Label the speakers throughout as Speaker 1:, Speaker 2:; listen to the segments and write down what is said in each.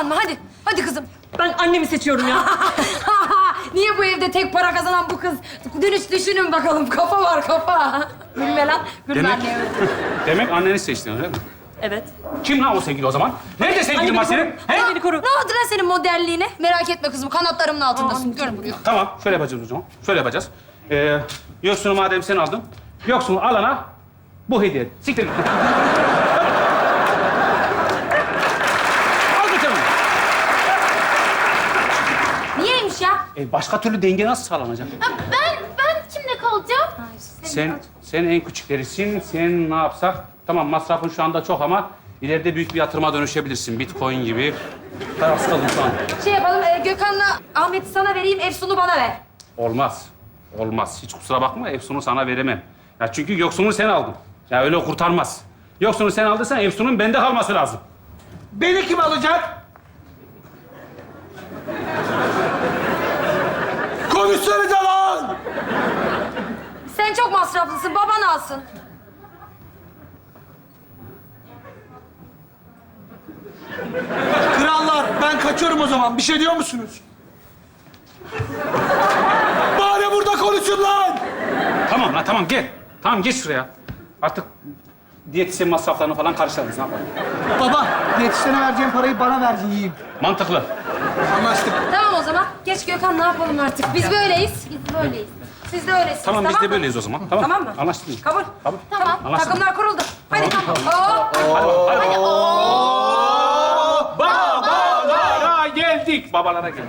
Speaker 1: baban mı? Hadi. Hadi kızım.
Speaker 2: Ben annemi seçiyorum ya.
Speaker 1: Niye bu evde tek para kazanan bu kız? Düşünün bakalım. Kafa var kafa. Gülme lan. Gülme
Speaker 3: Demek,
Speaker 1: anneye.
Speaker 3: demek anneni seçtin öyle mi?
Speaker 2: Evet.
Speaker 3: Kim lan o sevgili o zaman? Nerede sevgilin var senin? He?
Speaker 2: Annemi koru.
Speaker 1: Ne oldu lan senin modelliğine? Merak etme kızım. Kanatlarımın altındasın. Görün buraya.
Speaker 3: Tamam, şöyle yapacağız o zaman. Şöyle yapacağız. Yoksunu madem sen aldın, yoksunu alana bu hediye. Siktir. Al götür onu.
Speaker 1: Niyeymiş ya?
Speaker 3: Başka türlü denge nasıl sağlanacak?
Speaker 4: Ben kimle kalacağım?
Speaker 3: Sen en küçüklerisin. Sen ne yapsak? Tamam, masrafın şu anda çok ama ileride büyük bir yatırıma dönüşebilirsin. Bitcoin gibi. Tarafsız kalın şu an.
Speaker 1: Şey yapalım. Gökhan'la Ahmet'i sana vereyim. Efsun'u bana ver.
Speaker 3: Olmaz. Olmaz. Hiç kusura bakma, Efsun'u sana veremem. Ya çünkü yoksunu sen aldın. Ya öyle kurtarmaz. Yoksunu sen aldıysan Efsun'un bende kalması lazım.
Speaker 5: Beni kim alacak? Konuşsanıza lan!
Speaker 1: Sen çok masraflısın. Baban alsın.
Speaker 5: Krallar, ben kaçıyorum o zaman. Bir şey diyor musunuz? Bari burada konuşun lan!
Speaker 3: Tamam lan, tamam gel. Tamam geç şuraya. Artık diyetisyen masraflarını falan karşılarız. Ne yapalım?
Speaker 5: Baba, yetişene vereceğim parayı bana ver yiyeyim.
Speaker 3: Mantıklı.
Speaker 5: Anlaştık.
Speaker 1: Tamam o zaman. Geç Gökhan, ne yapalım artık? Biz böyleyiz. Biz böyleyiz. Siz de öylesiniz.
Speaker 3: Tamam, biz de
Speaker 1: mı?
Speaker 3: böyleyiz o zaman. Tamam,
Speaker 1: Tamam mı?
Speaker 3: Anlaştık mı?
Speaker 1: Kabul.
Speaker 3: Kabul.
Speaker 1: Tamam.
Speaker 3: Anlaştık.
Speaker 1: Takımlar kuruldu. Hadi.
Speaker 3: Tamam.
Speaker 1: Oo.
Speaker 3: Hadi bakalım. Babalara geldik. Babalara geldik.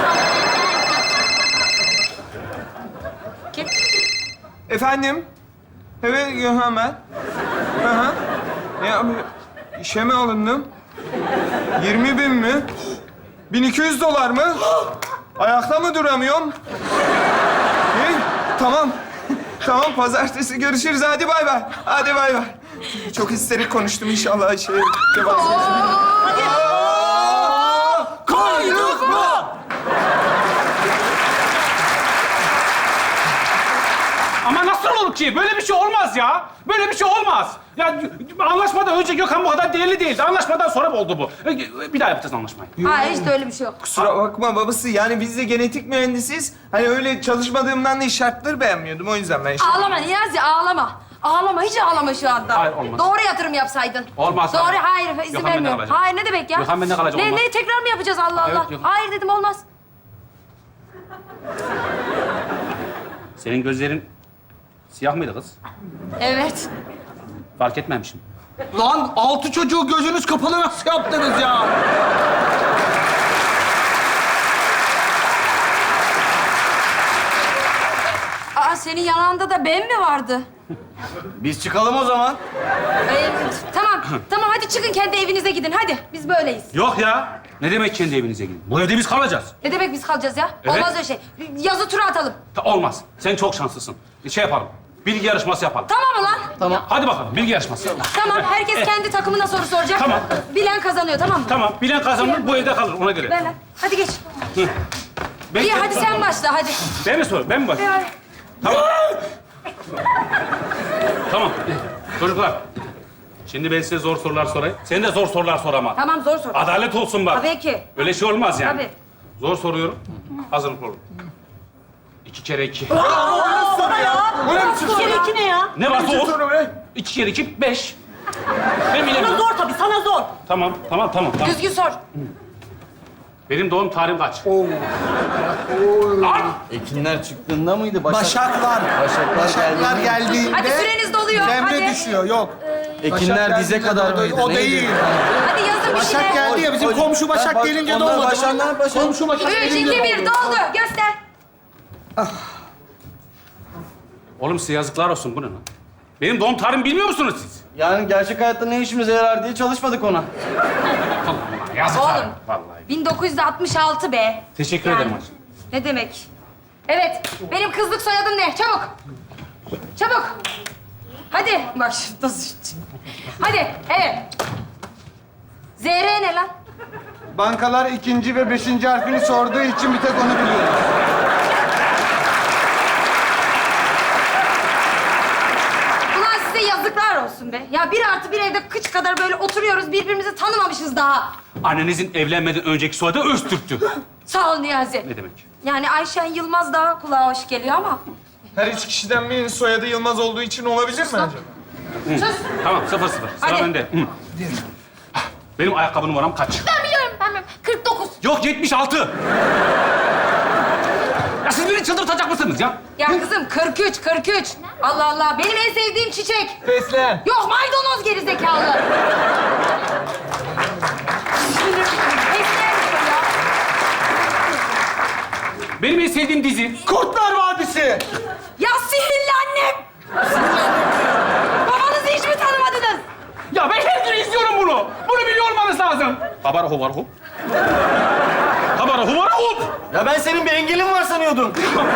Speaker 1: Kim?
Speaker 6: Efendim? Evet, Gökhan ben. Hı hı. Ya, işe mi alındım? 20.000 mi? 1200 dolar mı? Ayakta mı duramıyorum? İyi, tamam. Tamam, pazartesi görüşürüz. Hadi bay bay. Hadi bay bay. Çok histerik konuştum inşallah. Vazgeçtim.
Speaker 5: Koyduk mu?
Speaker 3: Ama nasıl olur ki? Böyle bir şey olmaz ya. Böyle bir şey olmaz. Ya anlaşmadan önce Gökhan bu kadar değerli değildi. Anlaşmadan sonra oldu bu. Bir daha yapacağız anlaşmayı.
Speaker 1: Hayır, hiç de öyle bir şey yok.
Speaker 6: Kusura bakma babası. Yani biz de genetik mühendisiz. Hani öyle çalışmadığımdan değil, şartları beğenmiyordum. O yüzden ben
Speaker 1: Ağlama Niyazi, ağlama. Ağlama, hiç ağlama şu anda.
Speaker 3: Hayır, olmaz.
Speaker 1: Doğru yatırım yapsaydın.
Speaker 3: Olmaz,
Speaker 1: Doğru,
Speaker 3: hayır.
Speaker 1: hayır, izin
Speaker 3: Gökhan bende
Speaker 1: vermiyorum.
Speaker 3: kalacak.
Speaker 1: Hayır, ne demek ya?
Speaker 3: Gökhan bende kalacak, olmaz.
Speaker 1: Ne, tekrar mı yapacağız Allah
Speaker 3: Evet,
Speaker 1: Allah?
Speaker 3: Gökhan.
Speaker 1: Hayır dedim, olmaz.
Speaker 3: Senin gözlerin siyah mıydı kız?
Speaker 1: Evet.
Speaker 3: Fark etmemişim.
Speaker 5: Lan 6 çocuğu gözünüz kapalı nasıl yaptınız ya?
Speaker 1: Aa, senin yanında da ben mi vardı?
Speaker 7: Biz çıkalım o zaman.
Speaker 1: Tamam, tamam hadi çıkın kendi evinize gidin. Hadi, biz böyleyiz.
Speaker 3: Yok ya. Ne demek kendi evinize gidin? Bu evde biz kalacağız.
Speaker 1: Ne demek biz kalacağız ya?
Speaker 3: Evet.
Speaker 1: Olmaz öyle şey. Yazı tura atalım.
Speaker 3: Olmaz. Sen çok şanslısın. Şey yapalım. Bilgi yarışması yapalım.
Speaker 1: Tamam mı lan?
Speaker 7: Tamam.
Speaker 3: Hadi bakalım bilgi yarışması.
Speaker 1: Tamam, herkes kendi takımına soru soracak.
Speaker 3: Tamam.
Speaker 1: Bilen kazanıyor, tamam mı?
Speaker 3: Tamam. Bilen kazanır, bu evde kalır. Ona göre.
Speaker 1: Ver lan. Hadi geç.
Speaker 3: Ben,
Speaker 1: İyi, hadi sen başla, hadi.
Speaker 3: Ben mi sor? Ben mi başlayayım? Tamam. Tamam. Çocuklar. Şimdi ben size zor sorular sorayım. Sen de zor sorular sor ama.
Speaker 1: Tamam, zor sor.
Speaker 3: Adalet olsun bak.
Speaker 1: Tabii ki.
Speaker 3: Öyle şey olmaz yani.
Speaker 1: Tabii.
Speaker 3: Zor soruyorum. Hazırlıklı olun. 2 kere 2.
Speaker 2: İki kere iki ne ya?
Speaker 3: Ne var zor?
Speaker 6: soru be.
Speaker 3: 2 kere 2, 5. Ben
Speaker 2: Sana
Speaker 3: bilemiyorum.
Speaker 2: zor tabii, sana zor.
Speaker 3: Tamam.
Speaker 1: Düzgün sor.
Speaker 3: Benim doğum tarihim kaç? Lan!
Speaker 7: Ekinler çıktığında mıydı?
Speaker 5: Başaklar. Başaklar geldiğinde...
Speaker 1: Hadi süreniz doluyor,
Speaker 5: Cemre
Speaker 1: hadi.
Speaker 5: düşüyor, yok.
Speaker 7: Ekinler
Speaker 5: Başak
Speaker 7: dize
Speaker 5: geldiğinde
Speaker 7: kadar
Speaker 5: doğdu.
Speaker 7: mıydı?
Speaker 5: O
Speaker 7: Neydi?
Speaker 5: değil.
Speaker 1: Hadi yazın bir
Speaker 5: Başak
Speaker 1: şeyler.
Speaker 5: geldi ya, bizim komşu Başak gelince
Speaker 7: Onlar
Speaker 5: doğmadı.
Speaker 7: Başaklar, Başak.
Speaker 5: Komşu Başak
Speaker 1: 3, 2,
Speaker 5: gelince
Speaker 1: 1, doldu. Göster.
Speaker 3: Oğlum size yazıklar olsun. Bu ne lan? Benim doğum tarihimi bilmiyor musunuz siz?
Speaker 7: Yani gerçek hayatta ne işimize yarar diye çalışmadık ona.
Speaker 3: Allah yazıklar.
Speaker 1: Oğlum.
Speaker 3: Vallahi.
Speaker 1: 1966 be.
Speaker 3: Teşekkür ederim hacı.
Speaker 1: Ne demek? Evet, benim kızlık soyadım ne? Çabuk. Çabuk. Hadi. Bak şu nasıl... Hadi, evet. ZR ne lan?
Speaker 6: Bankalar 2. ve 5. harfini sorduğu için bir tek onu biliyorum.
Speaker 1: Ulan size yazıklar olsun be. böyle? Ya 1+1 evde kıç kadar böyle oturuyoruz, birbirimizi tanımamışız daha.
Speaker 3: Annenizin evlenmeden önceki soyadı Öztürk'tü.
Speaker 1: Sağ ol Niyazi.
Speaker 3: Ne demek?
Speaker 1: Yani Ayşen Yılmaz daha kulağa hoş geliyor ama.
Speaker 6: Her üç kişiden birinin soyadı Yılmaz olduğu için olabilir mi acaba?
Speaker 1: Sus.
Speaker 3: Tamam 0-0. Sıra
Speaker 1: Hadi.
Speaker 3: bende. Hı. Benim ayakkabı numaram kaç?
Speaker 4: Ben biliyorum, ben biliyorum. 49.
Speaker 3: Yok 76. Ya siz beni çıldırtacak mısınız ya?
Speaker 1: Ya kızım 43. Allah Allah. Benim en sevdiğim çiçek.
Speaker 6: Fesleğen.
Speaker 1: Yok maydanoz gerizekalı. Fesleğen diyor ya.
Speaker 3: Benim en sevdiğim dizi.
Speaker 5: Kurtlar Vadisi.
Speaker 1: Ya sihirli annem. Babanızı hiç mi tanımadınız?
Speaker 3: Ya ben her gün izliyorum bunu. Bunu biliyor olmanız lazım. Habara huvara hup. Habara huvara hup.
Speaker 7: Ya ben senin bir engelin var sanıyordum.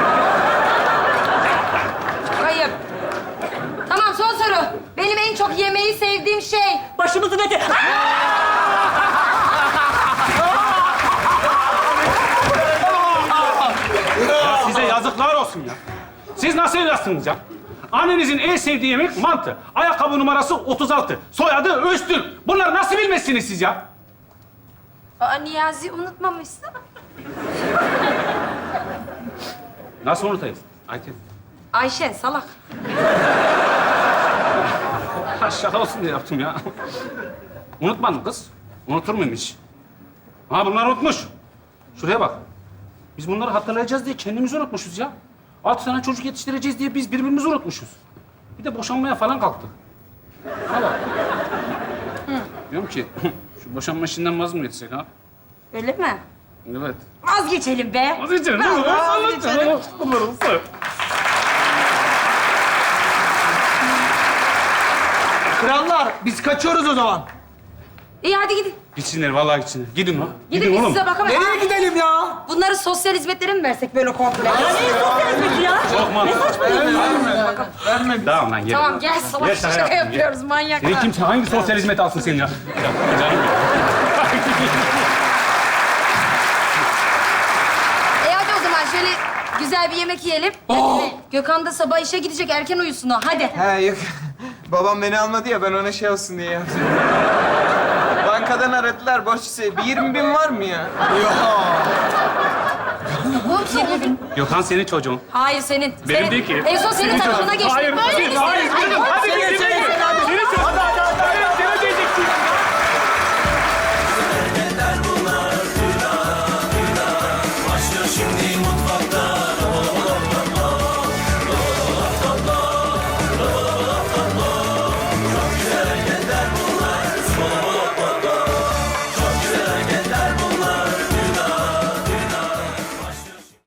Speaker 1: Hayır. Tamam son soru. Benim en çok yemeği sevdiğim şey.
Speaker 2: Başımızın eti.
Speaker 3: Ya size yazıklar olsun ya. Siz nasıl evlatsınız ya? Annenizin en sevdiği yemek mantı. Ayakkabı numarası 36. Soyadı Öztürk. Bunları nasıl bilmezsiniz siz ya?
Speaker 1: Aa, Niyazi unutmamışsın.
Speaker 3: Nasıl unutayım? Ayten.
Speaker 1: Ayşen salak.
Speaker 3: Ha, şaka olsun diye yaptım ya. Unutmadım kız. Unutur muyum hiç? Ha bunlar unutmuş. Şuraya bak. Biz bunları hatırlayacağız diye kendimizi unutmuşuz ya. 6 tane çocuk yetiştireceğiz diye biz birbirimizi unutmuşuz. Bir de boşanmaya falan kalktık. Ha bak. Diyorum ki şu boşanma işinden vaz mı geçsek ha?
Speaker 1: Öyle mi?
Speaker 3: Evet.
Speaker 1: Vazgeçelim be.
Speaker 3: Vazgeçelim değil mi?
Speaker 1: Vazgeçelim.
Speaker 3: Bunlar olsa.
Speaker 5: Krallar biz kaçıyoruz o zaman.
Speaker 1: İyi hadi gidin.
Speaker 3: Gitsinler vallahi gitsinler. Gidin lan.
Speaker 1: Gidin biz size bakamayız.
Speaker 5: Nereye gidelim ya?
Speaker 1: Bunları sosyal hizmetlere mi versek böyle komple?
Speaker 2: Ya ne istiyorsunuz ya?
Speaker 3: Çok mantıklı.
Speaker 6: Verme.
Speaker 3: Tamam lan gel.
Speaker 1: Tamam gel salak
Speaker 3: Gel,
Speaker 1: şaka
Speaker 3: yaptım, gel.
Speaker 1: yapıyoruz manyaklar.
Speaker 3: Senin kimse hangi sosyal hizmet alsın senin ya? Ya canım ya.
Speaker 1: Hadi o zaman şöyle güzel bir yemek yiyelim. Gökhan da sabah işe gidecek erken uyusun o hadi.
Speaker 6: He yok. Babam beni almadı ya ben ona şey olsun diye yaptım. Bankadan aradılar borç bir 20.000 var mı ya?
Speaker 1: Bu 20 bin.
Speaker 3: Gökhan senin çocuğun.
Speaker 1: Hayır senin.
Speaker 3: Benim
Speaker 1: senin.
Speaker 3: değil ki.
Speaker 1: En son senin tarafına geçti.
Speaker 3: Hayır,
Speaker 1: Böyle
Speaker 3: hayır,
Speaker 1: misin?
Speaker 3: hayır, canım. Hadi
Speaker 5: Senin
Speaker 3: bizim